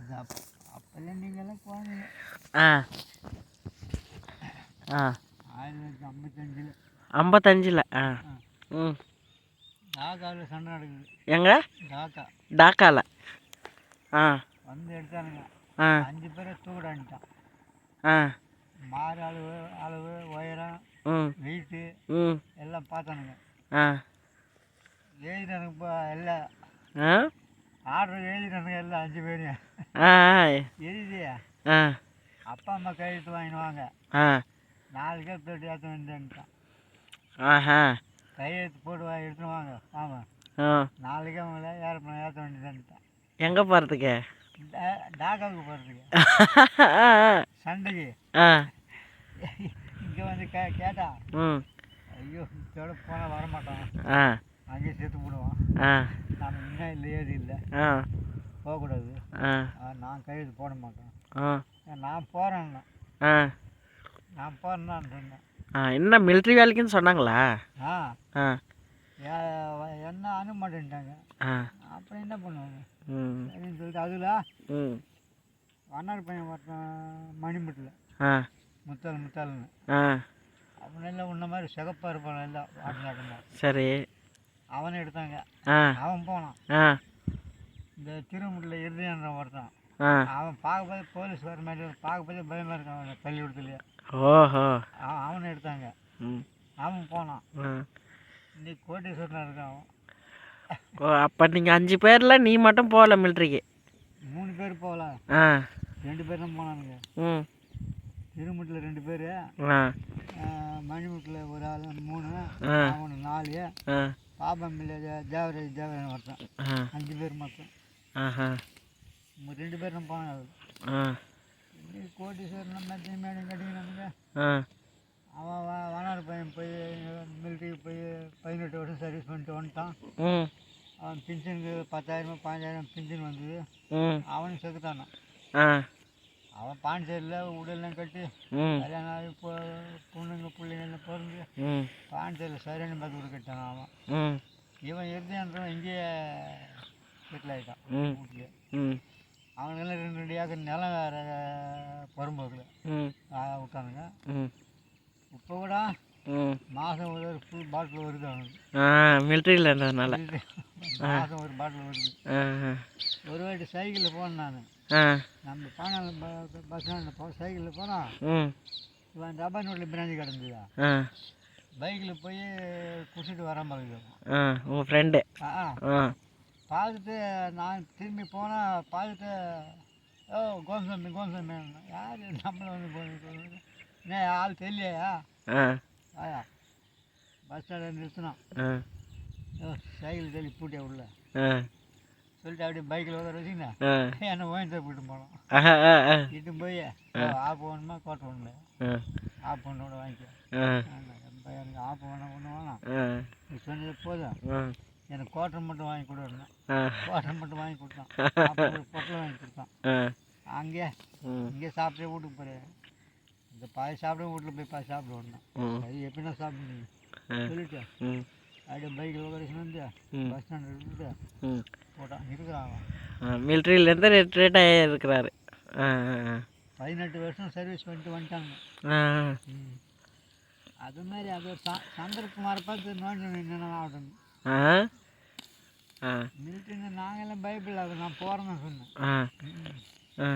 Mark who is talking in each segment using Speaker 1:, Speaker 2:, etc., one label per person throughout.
Speaker 1: அப்போல்லாம் நீங்கள்லாம் போனீங்க.
Speaker 2: ஆ ஆ
Speaker 1: 1955.
Speaker 2: 55ல். ஆ ம்
Speaker 1: டாக்காவில் சண்டை நடக்குது.
Speaker 2: எங்க? டாக்காவில். ஆ
Speaker 1: வந்து எடுத்தானுங்க.
Speaker 2: ஆ
Speaker 1: 5 பேரை தூக்கிடான்ட்டான்.
Speaker 2: ஆ
Speaker 1: மாறு அளவு உயரம்
Speaker 2: ம்
Speaker 1: வெயிட்டு
Speaker 2: ம்
Speaker 1: எல்லாம் பார்த்தானுங்க.
Speaker 2: ஆ
Speaker 1: எழுதினானுங்க இப்போ எல்லாம்.
Speaker 2: ஆ
Speaker 1: ஆர்டர் எழுதினானுங்க எல்லாம் 5 பேரையும்.
Speaker 2: ஆ
Speaker 1: எழுதி
Speaker 2: ஆ
Speaker 1: அப்பா அம்மா கையெழுத்து வாங்கிடுவாங்க.
Speaker 2: ஆ
Speaker 1: 4 பேர் போய்ட்டு ஏற்ற வேண்டியதுன்ட்டான்.
Speaker 2: ஆஹா
Speaker 1: கையெழுத்து போட்டு எடுத்துன்னு வாங்க. ஆமாம்,
Speaker 2: ஆ
Speaker 1: நாளைக்கே அவங்கள ஏரோப்ளேன் ஏற்ற வேண்டியதுன்ட்டான்.
Speaker 2: எங்கே போகிறதுக்கு?
Speaker 1: டாக்காவுக்கு போகிறதுக்கு சண்டைக்கு.
Speaker 2: ஆ
Speaker 1: இங்கே வந்து கேட்டா
Speaker 2: ம்
Speaker 1: ஐயோ இதோட போனால் வரமாட்டோம்,
Speaker 2: ஆ
Speaker 1: அங்கேயே சேர்த்து போடுவோம்,
Speaker 2: ஆ
Speaker 1: நம்ம இன்னும் இல்லை ஏது இல்லை
Speaker 2: ஆ
Speaker 1: போகக்கூடாது,
Speaker 2: ஆ
Speaker 1: நான் கையெழுத்து போட மாட்டேன்,
Speaker 2: ஆ
Speaker 1: நான் போகிறேன்னா
Speaker 2: ஆ
Speaker 1: நான் போகிறேன்னான்னு சொன்னேன்.
Speaker 2: ஆ என்ன மிலிட்ரி வேலைக்குன்னு சொன்னாங்களா?
Speaker 1: ஆ
Speaker 2: ஆ
Speaker 1: என்ன அனுப்ப மாட்டேன்ட்டாங்க.
Speaker 2: ஆ
Speaker 1: அப்புறம் என்ன பண்ணுவாங்க?
Speaker 2: ம்
Speaker 1: சரின்னு சொல்லிட்டு அதில்
Speaker 2: ம்
Speaker 1: வண்ணார் பையன் ஒருத்தன் மணிமுட்டில்
Speaker 2: ஆ
Speaker 1: முத்தாள்னு
Speaker 2: ஆ
Speaker 1: அவன் எல்லாம் உன்ன மாதிரி சிகப்பாக இருப்பான், எல்லாம் ஆட்டமாக.
Speaker 2: சரி.
Speaker 1: அவனை எடுத்தாங்க.
Speaker 2: ஆ
Speaker 1: அவன் போனான்.
Speaker 2: ஆ
Speaker 1: இந்த திருமுட்டில் இறுதியான ஒருத்தன்.
Speaker 2: ஆ
Speaker 1: அவன் பார்க்கும்போது போலீஸ் வர மாதிரி பார்க்கும்போது பயமாக இருக்கான். அவனை பள்ளிக்கூடத்துலேயே
Speaker 2: ஓஹோ
Speaker 1: அவனை எடுத்தாங்க.
Speaker 2: ம்
Speaker 1: அவன் போனான்.
Speaker 2: ஆ
Speaker 1: இன்னைக்கு கோட்டீஸ்வரனாக இருக்கான் அவன்.
Speaker 2: ஓ அப்போ நீங்கள் 5 பேரில் நீ மட்டும் போகல மிலிட்ரிக்கு?
Speaker 1: 3 பேர் போகலாம்.
Speaker 2: ஆ
Speaker 1: 2 பேர் தான் போனானுங்க.
Speaker 2: ம்
Speaker 1: திருமுட்டில் 2 பேர்,
Speaker 2: ஆ
Speaker 1: மணிமுட்டில் ஒரு ஆள் 3,
Speaker 2: ஆ
Speaker 1: அவனு 4,
Speaker 2: ஆ
Speaker 1: பாபம்பிள்ளை தேவராஜ் ஒருத்தன்.
Speaker 2: ஆ
Speaker 1: 5 பேர் மொத்தம்.
Speaker 2: ஆஹா
Speaker 1: 2 பேர் தான் போனாங்க.
Speaker 2: ஆ
Speaker 1: இன்னைக்கு கோட்டீஸ்வரன் மேடம் மேடம் கட்டிக்கினானுங்க.
Speaker 2: ஆ
Speaker 1: அவன் வனார் பையன் போய் மிலிட்ரிக்கு போய் 18 வருஷம் சர்வீஸ் பண்ணிட்டு வந்துட்டான்.
Speaker 2: ம்
Speaker 1: அவன் பென்ஷனுக்கு 10,000 15,000 பென்ஷன் வந்தது.
Speaker 2: ம்
Speaker 1: அவனும் செத்துட்டானா.
Speaker 2: ஆ
Speaker 1: அவன் பாண்டிச்சேரியில் உடல்லாம் கட்டி
Speaker 2: ம்
Speaker 1: கல்யாணம் ஆகி பொண்ணுங்க பிள்ளைங்கள்லாம் பிறந்து
Speaker 2: ம்
Speaker 1: பாண்டிச்சேரியில் சரியான பார்த்து வீடு கட்டான் அவன்.
Speaker 2: ம்
Speaker 1: இவன் இறுதியான்றவன் இங்கேயே செட்டில் ஆகிட்டான்
Speaker 2: ம்
Speaker 1: வீட்லேயே.
Speaker 2: ம்
Speaker 1: அவனுக்கெல்லாம் 2 ஏக்கர் நிலம் வேறு புறம்போக்கில்
Speaker 2: ம்
Speaker 1: விட்டானுங்க.
Speaker 2: ம்
Speaker 1: இப்போ கூட
Speaker 2: ம்
Speaker 1: மாதம் ஒரு ஃபுல் பாட்டில் வருது அவனுக்கு.
Speaker 2: ஆ மிலிட்ரியில் இருந்ததுனால
Speaker 1: மாதம் ஒரு பாட்டில் வருது.
Speaker 2: ஆ
Speaker 1: ஒரு வாட்டி சைக்கிளில் போனேன் நான்.
Speaker 2: ஆ
Speaker 1: நம்ம பானாளம் பஸ் ஸ்டாண்டில் சைக்கிளில் போனால்
Speaker 2: ம்
Speaker 1: இவன் ரப்பர் நோட்டில் பிராஞ்சி கிடந்ததா.
Speaker 2: ஆ
Speaker 1: பைக்கில் போய் குடிச்சிட்டு வரான் பாருங்க.
Speaker 2: ஆ உங்கள் ஃப்ரெண்டு.
Speaker 1: ஆ
Speaker 2: ஆ
Speaker 1: பார்த்துட்டு நான் திரும்பி போனால் பார்த்துட்டு ஓ கோமசாமி யார் நம்மளை வந்து போய் என்ன ஆள் தெரியலையா?
Speaker 2: ஆ
Speaker 1: ஆயா பஸ் ஸ்டாண்டில் நிறுத்தினான்.
Speaker 2: ஆ
Speaker 1: ஓ சைக்கிள் தள்ளி பூட்டியா உள்ள
Speaker 2: ஆ
Speaker 1: சொல்லிட்டு அப்படியே பைக்கில் உட்கார வச்சிங்கன்னா
Speaker 2: ஆ
Speaker 1: என்னை ஓயின் தான் போயிட்டு போனோம்.
Speaker 2: ஆஹா ஆ ஆ
Speaker 1: இட்டு போய் ஆப் வேணுமா கோட்டை ஒன்று
Speaker 2: ஆ
Speaker 1: ஆப் ஒன்றோட வாங்கிக்க.
Speaker 2: ஆ
Speaker 1: எனக்கு ஆப் வேணாம் ஒன்று வேணாம்,
Speaker 2: ஆ
Speaker 1: நீ சொன்னது போதும்,
Speaker 2: ஆ
Speaker 1: எனக்கு கோட்டை மட்டும் வாங்கி கொடுன்னா.
Speaker 2: ஆ
Speaker 1: கோட்டை மட்டும் வாங்கி கொடுத்தான். அப்புறம் ஒரு பொட்டலை வாங்கி கொடுத்தான்.
Speaker 2: ஆ
Speaker 1: அங்கே
Speaker 2: ம்
Speaker 1: இங்கே சாப்பிட்டே வீட்டுக்கு போகிறேன். இந்த பாதி சாப்பிட வீட்டில் போய் பாதி சாப்பிடுவோம்னா
Speaker 2: ம்
Speaker 1: அது எப்படின்னா சாப்பிடுங்க சொல்லிட்டு
Speaker 2: ம்
Speaker 1: அப்படியே பைக்கில் உட்காரிச்சு வந்து
Speaker 2: ம்
Speaker 1: பஸ் ஸ்டாண்டில் இருந்துட்டு
Speaker 2: ம்
Speaker 1: போட்டான். இருக்கிறான் அவன்.
Speaker 2: மிலிட்ரியிலேருந்து ரிட்ரீட் ஆகிருக்கிறாரு. ஆ ஆ
Speaker 1: 18 வருஷம் சர்வீஸ் பண்ணிட்டு வந்துட்டாங்க.
Speaker 2: ஆ
Speaker 1: அது மாதிரி அது ஒரு சந்தர்ப்பமாக பார்த்து நோண்டி என்னென்ன ஆகட்டும்.
Speaker 2: ஆ ஆ
Speaker 1: மிலிட்ரின்னு நாங்கெல்லாம் பைபிள் அது நான் போகிறேன்னு சொன்னேன்.
Speaker 2: ஆ ஆ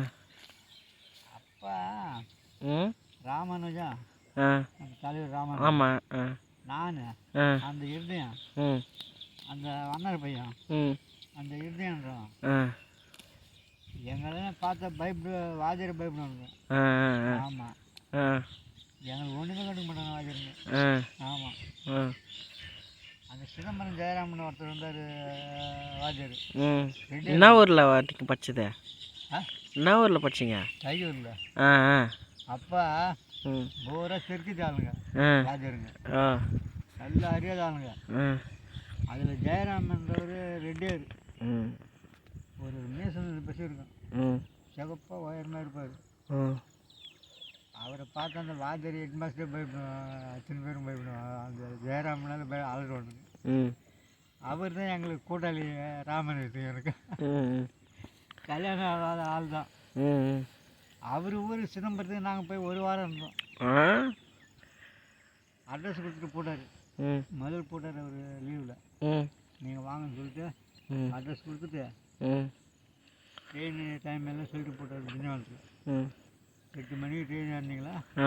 Speaker 1: அப்போ
Speaker 2: ம்
Speaker 1: ராமானுஜா
Speaker 2: ஆ
Speaker 1: அந்த தலைவர் ராமானுஜா,
Speaker 2: ஆமாம் ஆ
Speaker 1: நான்
Speaker 2: ஆ
Speaker 1: அந்த இருதயம்,
Speaker 2: ம்
Speaker 1: அந்த வண்ணர் பையன்
Speaker 2: ம்
Speaker 1: அந்த இருதயன்றான்
Speaker 2: ஆ
Speaker 1: எங்களெல்லாம் பார்த்தா பயப்படு வாஜரை பயப்படுவாங்க.
Speaker 2: ஆ
Speaker 1: ஆமாம்,
Speaker 2: ஆ
Speaker 1: எங்களுக்கு ஒன்றுமே கண்டுக்க மாட்டாங்க வாஜருங்க.
Speaker 2: ஆ
Speaker 1: ஆமாம்,
Speaker 2: ஆ
Speaker 1: அந்த சிதம்பரம் ஜெயராமன் ஒருத்தர் இருந்தார் வாஜர்.
Speaker 2: ம் என்ன ஊரில் நீங்கள் படிச்சது?
Speaker 1: ஆ
Speaker 2: என்ன ஊரில் படிச்சிங்க?
Speaker 1: தையூரில்.
Speaker 2: ஆ ஆ
Speaker 1: அப்போ
Speaker 2: ம்
Speaker 1: பூரா தெற்கு ஆளுங்க
Speaker 2: ஆ
Speaker 1: வாஜருங்க,
Speaker 2: ஆ
Speaker 1: நல்லா அறியாத ஆளுங்க.
Speaker 2: ஆ
Speaker 1: அதில் ஜெயராமன்றவர் ரெட்டியார்,
Speaker 2: ம்
Speaker 1: ஒரு மீசல் பஸ் இருக்கும்,
Speaker 2: ம்
Speaker 1: சிகப்பாக உயரமாக இருப்பார்.
Speaker 2: ம்
Speaker 1: அவரை பார்த்து அந்த வாஜர் ஹெட் மாஸ்டர் பயப்படுவான், அத்தனை பேரும் பயப்படுவான். அந்த ஜெயராமனால அலறுவானுங்க.
Speaker 2: ம்
Speaker 1: அவர் தான் எங்களுக்கு கூட்டாளி ராமன் எனக்கு.
Speaker 2: ம்
Speaker 1: கல்யாணம் ஆகாத ஆள் தான்.
Speaker 2: ம்
Speaker 1: அவர் ஊர் சிதம்பரத்துக்கு நாங்கள் போய் ஒரு வாரம் இருந்தோம்.
Speaker 2: ஆ
Speaker 1: அட்ரஸ் கொடுத்துட்டு போட்டார்.
Speaker 2: ம்
Speaker 1: முதல் போட்டார் அவர் லீவில்.
Speaker 2: ம்
Speaker 1: நீங்கள் வாங்கன்னு சொல்லிட்டு
Speaker 2: ம்
Speaker 1: அட்ரஸ் கொடுத்துட்டு
Speaker 2: ம்
Speaker 1: ட்ரெயின் டைம் எல்லாம் சொல்லிட்டு போட்டார். திண்டிவனத்துக்கு
Speaker 2: ம்
Speaker 1: 8 மணிக்கு ட்ரெயின் ஏறினீங்களா,
Speaker 2: ஆ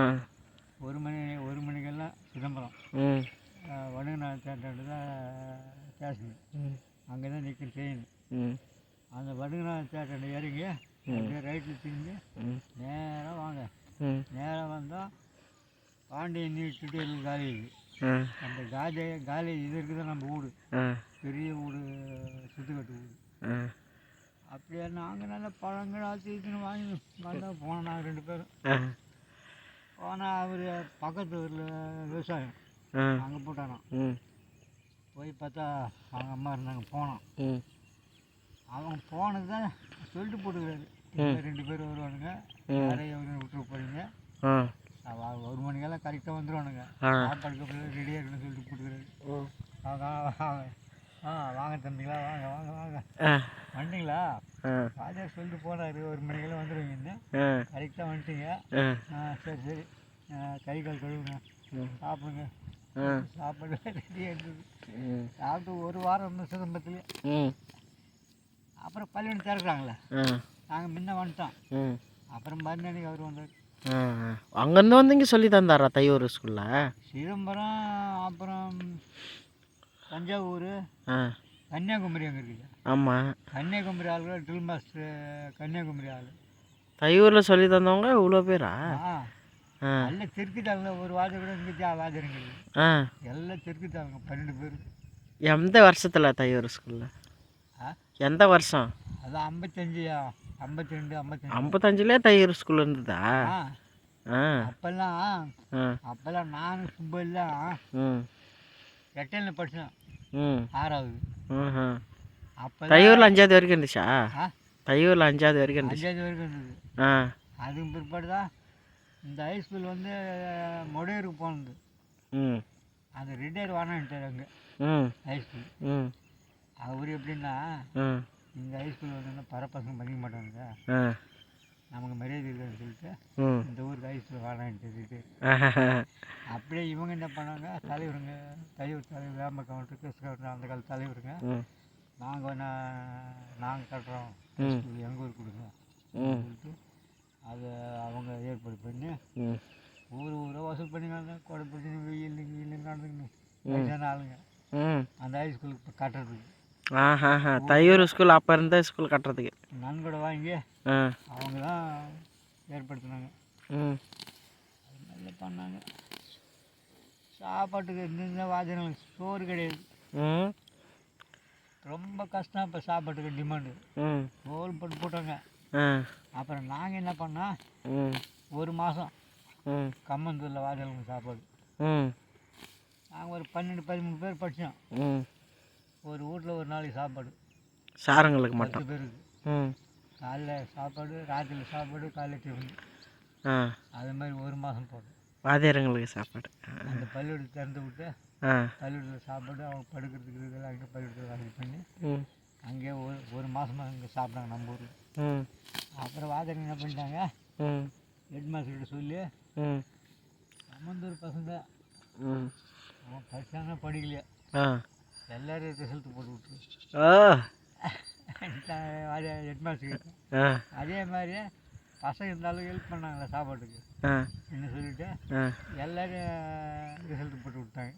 Speaker 1: 1 மணிக்கெல்லாம் சிதம்பரம்
Speaker 2: ம்
Speaker 1: வடகநாத தேட்டர் தான் ஸ்டேஷன்.
Speaker 2: ம்
Speaker 1: அங்கே தான் நிற்கும் ட்ரெயின்.
Speaker 2: ம்
Speaker 1: அந்த வடகநாத தேட்டர் இறங்கி அப்படியே ரைட்டில் திரும்பி
Speaker 2: ம்
Speaker 1: நேராக வாங்க.
Speaker 2: ம்
Speaker 1: நேராக வந்தால் பாண்டியன் டுடோரியல் காலேஜ்.
Speaker 2: ஆ
Speaker 1: அந்த காலேஜ் இது இருக்குது நம்ம வீடு,
Speaker 2: ஆ
Speaker 1: பெரிய வீடு, சுற்றுக்கட்டு வீடு.
Speaker 2: ஆ
Speaker 1: அப்படியே நாங்கள் நல்ல பழங்கள் ஆச்சுன்னு வாங்கி வந்தா போனோம். நாங்கள் 2 பேரும்
Speaker 2: ஆ
Speaker 1: போனால் அவர் பக்கத்து ஊரில் விவசாயம்
Speaker 2: ஆ
Speaker 1: அங்கே போட்டானோம்.
Speaker 2: ம்
Speaker 1: போய் பார்த்தா அவங்க அம்மா இருந்தாங்க. போனோம்.
Speaker 2: ம்
Speaker 1: அவங்க போனது தான் சொல்லிட்டு போட்டுக்கிறாரு. 2 பேர் வருவானுங்க, நிறைய விட்டுட்டு போறீங்க,
Speaker 2: ஆ
Speaker 1: 1 மணிக்கெல்லாம் கரெக்டாக வந்துடுவானுங்க,
Speaker 2: ஆ
Speaker 1: சாப்பாடுக்கு ரெடியாக இருக்குன்னு சொல்லிட்டு போட்டுக்கிறாரு. அவங்க வாங்க தம்பிங்களா, வாங்க வாங்க வாங்க
Speaker 2: ஆ
Speaker 1: வந்துட்டீங்களா,
Speaker 2: ஆ
Speaker 1: வாத்தியார் சொல்லிட்டு போனார் 1 மணிக்கெல்லாம் வந்துடுவீங்கன்னு.
Speaker 2: ஆ
Speaker 1: கரெக்டாக வந்துட்டீங்க. சரி சரி, கை கால் கழுவுங்க, சாப்பிடுங்க. சாப்பாடு ரெடியாக இருந்தது. சாப்பிட்டு 1 வாரம் இருந்தோம் சிதம்பரத்துலேயே.
Speaker 2: ம்
Speaker 1: அப்புறம் பள்ளிக்கூடம் திறக்கிறாங்களே, நாங்கள் முன்ன வந்துட்டோம். அப்புறம் மறுநாளைக்கு அவர் வந்தார்.
Speaker 2: அங்கேருந்து வந்து இங்கே சொல்லி தந்தாரா தையூர் ஸ்கூலில்?
Speaker 1: சிதம்பரம், அப்புறம் தஞ்சாவூர், கன்னியாகுமரி அங்கே இருக்குது.
Speaker 2: ஆமாம்,
Speaker 1: கன்னியாகுமரி ஆளுகள் ட்ரில் மாஸ்டர், கன்னியாகுமரி ஆள்.
Speaker 2: தையூரில் சொல்லி தந்தவங்க இவ்வளோ பேரா?
Speaker 1: எல்லாம் தெற்குத்தாங்க. ஒரு வாஜர் கூட இங்கே வாஜருங்க எல்லாம் தெற்குத்தாங்க 12 பேர்.
Speaker 2: எந்த வருஷத்தில் தையூர் ஸ்கூலில்? எந்த வருஷம்?
Speaker 1: அது 55, 52, 55.
Speaker 2: 55லே தையூர் ஸ்கூல் இருந்ததா?
Speaker 1: அப்போல்லாம் நானும் சுப்பு எல்லாம் எட்டனில் படித்தேன், 6வது. அப்போ
Speaker 2: தையூரில் 5வது வரைக்கும் இருந்துச்சா? தையூரில் 5வது வரைக்கும் இருந்துச்சு.
Speaker 1: 5வது வரைக்கும் இருந்தது. அதுக்கு பிற்பாடு தான் இந்த ஹைஸ்கூல் வந்து மொடையூருக்கு போனது. அந்த ரிட்டையர் வானான்ட்டார் அங்கே ஹைஸ்கூல். அவர் எப்படின்னா, இந்த ஹைஸ்கூல் வந்து பரப்பசங்க பண்ணிக்க மாட்டாங்க, நமக்கு மரியாதை இருக்காதுன்னு சொல்லிட்டு இந்த ஊருக்கு ஹைஸ்கூல் வானான்ட்டு. அப்படியே இவங்க என்ன பண்ணாங்க, தலைவருங்க, தையூர் தலைவர், வேம்ப கவுண்டர், கிறிஸ் கவுண்டர், அந்த கால தலைவருங்க, நாங்கள் கட்டுறோம் ஹைஸ்கூல், எங்கள் ஊருக்கு கொடுங்க சொல்லிட்டு அதை அவங்க ஏற்பாடு பண்ணி ஊராக வசூல் பண்ணிக்காங்க. கொடை பிடிச்சி வெயில் நடந்துக்கணும் வயசான ஆளுங்க அந்த ஹைஸ்கூலுக்கு இப்போ கட்டுறதுக்கு.
Speaker 2: தையூர் ஸ்கூல் அப்போ இருந்த ஸ்கூல் கட்டுறதுக்கு
Speaker 1: நன்கொடை வாங்கி அவங்க தான் ஏற்படுத்தினாங்க. அது நல்லா பண்ணாங்க. சாப்பாட்டுக்கு இருந்த வாஜனங்களுக்கு சோறு கிடையாது, ரொம்ப கஷ்டம். இப்போ சாப்பாட்டுக்கு டிமாண்டு சோறு போட்டு போட்டாங்க. அப்புறம் நாங்கள் என்ன பண்ணோம், 1 மாதம் கம்மந்தூரில் வாஜலுக்கு சாப்பாடு. நாங்கள் ஒரு 12-13 பேர் படித்தோம். ஒரு வீட்டில் ஒரு நாளைக்கு சாப்பாடு
Speaker 2: சாரங்களுக்கு மட்டும்
Speaker 1: 10 பேருக்கு. காலைல சாப்பாடு, ராத்திரியில் சாப்பாடு, காலையில் டிஃபன். அது மாதிரி 1 மாதம் போடும்
Speaker 2: வாத்தியாரங்களுக்கு சாப்பாடு.
Speaker 1: அந்த பள்ளிக்கூடத்தை திறந்து விட்டு பள்ளிக்கூடத்தில் சாப்பாடு, அவங்க படுக்கிறதுக்கு இதெல்லாம் அங்கே பள்ளிக்கூடத்தில் வசதி பண்ணி அங்கேயே ஒரு மாதமாக அங்கே சாப்பிட்டாங்க நம்ம ஊரில். அப்புறம் வாத்தியார் என்ன பண்ணிட்டாங்க, ஹெட் மாஸ்டர்கிட்ட சொல்லி, அம்மந்தூர் பசங்க அவன் படித்தாங்க படிக்கலையா எல்லோரும் ரிசல்ட் போட்டு விட்டுரு ஹெட் மாஸ்டர்கிட்ட. அதே மாதிரி பசங்க இருந்தாலும் ஹெல்ப் பண்ணாங்களே சாப்பாட்டுக்கு என்ன சொல்லிட்டு எல்லோரும் ரிசல்ட் போட்டு விட்டாங்க.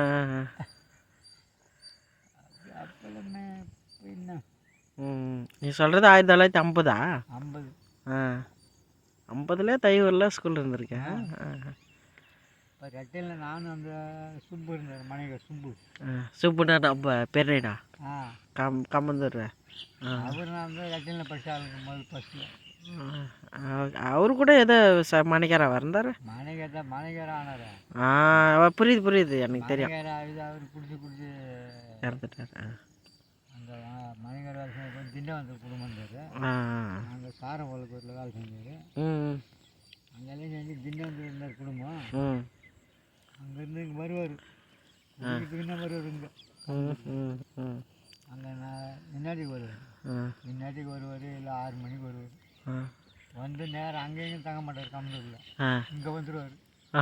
Speaker 1: அப்போல்லாமே என்ன
Speaker 2: நீ சொல்கிறது 1950?
Speaker 1: 50.
Speaker 2: 50லே தையூரில் ஸ்கூல் இருந்திருக்கேன்.
Speaker 1: இப்போ ரெட்டையில் நானும் அந்த சுப்பு இருந்தார், மனைவர் சுப்பு.
Speaker 2: சுப்புனா நம்ம பெரியடா கம்மந்தூர்.
Speaker 1: அவர் நான் வந்து ரெட்டையில் படித்த ஆளுங்க முதல் ஃபஸ்ட்டில்.
Speaker 2: அவரு கூட ஏதோ மணிக்காரா இருந்தார்.
Speaker 1: மணிக்காரா ஆனார்.
Speaker 2: புரியுது எனக்கு தெரியும்.
Speaker 1: அவர் குடிச்சு
Speaker 2: இறந்துட்டார்.
Speaker 1: அந்த மணிக்கார வேலை செஞ்ச திண்டவந்தல் குடும்பம் இருந்தார். அங்கே சாரவளக்கூரில் வேலை செஞ்சார். அங்கெல்லாம் செஞ்சு திண்டவந்தல் இருந்தார் குடும்பம். அங்கேருந்து இங்கே வருவார், வருவார் இங்கே. அங்கே நான் முன்னாடிக்கு வருவார், முன்னாடிக்கு வருவார், இல்லை 6 மணிக்கு வருவார். வந்து நேரம் அங்கேயும் தங்க மாட்டார் கம்பெனியில், இங்கே வந்துடுவார்.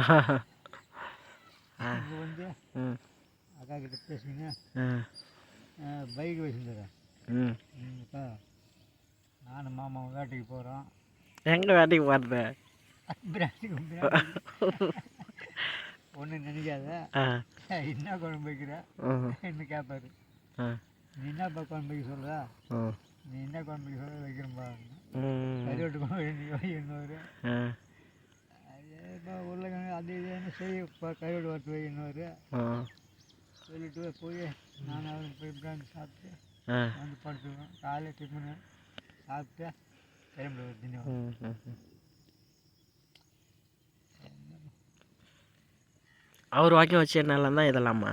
Speaker 1: இங்கே வந்து அக்கா கிட்ட பேசுங்க, பைக் வச்சுருந்தேன். இப்போ நானும் மாமாவும் வேட்டைக்கு போகிறோம்.
Speaker 2: எங்கே வேட்டைக்கு போகிறது?
Speaker 1: ஒன்றும் நினைக்காத, என்ன குழம்பு வைக்கிற என்ன கேட்பாரு. நீ என்னப்பா குழம்பு வைக்க சொல்கிற, நீ என்ன குழம்பு வைக்க சொல்ல வைக்கிறப்பா, கறிவெட்டு குழம்பு வைக்கணுவார். அதேப்பா உருளைக்கிழங்கு அது இதுன்னு செய்யப்பா, கறிவெட்டு வறுத்து வைக்கணுவார். சொல்லிட்டு போய் நான் அவரும் போய் பிராந்தி சாப்பிட்டு வந்து படுத்துக்குவோம். காலையில் டிஃபனு சாப்பிட்டு கிளம்பிடுவார் தினம்.
Speaker 2: அவர் வாக்கியம் வச்சு நல்லா தான் இதெல்லாமா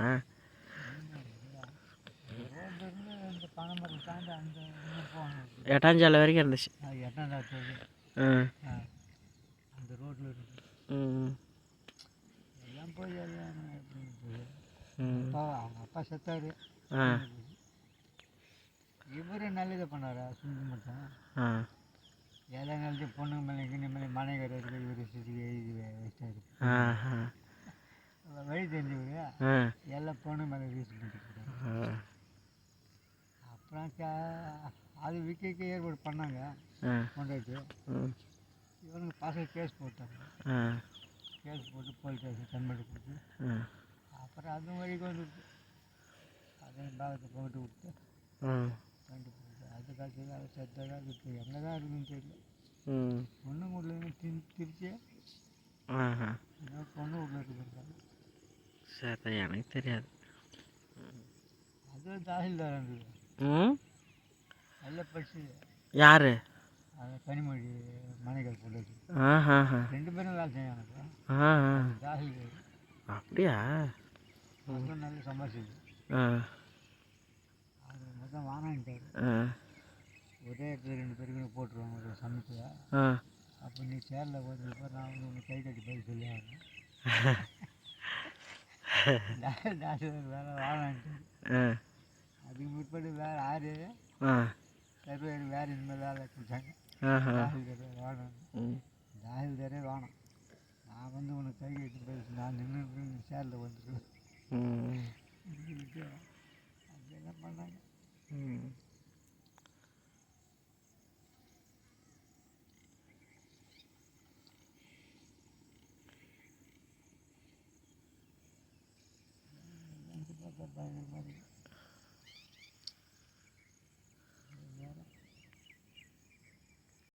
Speaker 1: ரோட்லேருந்து இந்த பனைமரம் தாண்டி அந்த இன்னும் போகணும்.
Speaker 2: எட்டாஞ்சாலை வரைக்கும் இருந்துச்சு.
Speaker 1: 8ஆம் அந்த ரோட்டில் இருக்கு. எல்லாம் போய் எல்லாம் அப்பா அவங்க அப்பா செத்தார். இவரு நல்லதை பண்ணாரா சுண்டு மட்டும் எல்லா நல்லது பொண்ணுங்க மேலே கிண்ண மேலே மனைவிக்கு இவர் எழுதி வச்சிட்டாரு. வழி தெரிஞ்சவர் எல்லாம் பொண்ணு மேலே யூஸ் பண்ணிட்டு அப்புறம் அது விற்க ஏற்பாடு பண்ணாங்க. கொண்டாட்டு இவனுங்க பசங்க கேஸ் போட்டாங்க. கேஸ் போட்டு போலீஸ் ஸ்டேஷன் கன்வெர்ட் கொடுத்து அப்புறம் அதுவும் வழிக்கு வந்துவிட்டு அதையும் பாகத்தை போட்டு விட்டு கண்டுபிடிச்சு அது காலத்தில் அதை செத்தாக இப்போ எங்கே தான் இருக்குதுன்னு தெரியல. பொண்ணு வீட்டில் திருச்சி பொண்ணு வீட்டில் இருக்குதுன்றாங்க.
Speaker 2: சரி, எனக்கு தெரியாது.
Speaker 1: அது தாசில்தார் இருந்தது. நல்லா படிச்சு
Speaker 2: யார்?
Speaker 1: அது கனிமொழி மனைகள் போட்டு 2 பேரும் வேலை செய்யும் எனக்கு. தாசில்தார்.
Speaker 2: அப்படியா?
Speaker 1: அதுவும் நல்லா சம்பாதிச்சது. அது மொத்தம் வாங்கிட்டார். ஒரே இடத்துல 2 பேருக்குன்னு போட்டுருவாங்க ஒரு சமயத்தில். அப்போ நீ சேரில் போகிறதுக்கு நான் வந்து உனக்கு கை கட்டி போய் சொல்லி ஆகணும். தாசில்தார் வேலை வாங்கிட்டார். அதுக்கு முற்பாடு வேறு 6 சர்வேர் வேறு இனிமேல் வேலை கொடுத்தாங்க. தாசில்தாரே வேணும், தாசில்தாரே வேணும், நான் வந்து உனக்கு கை கட்டி போய் நான் நின்று சேரில் வந்துடுவேன். அதெல்லாம் பண்ணாங்க.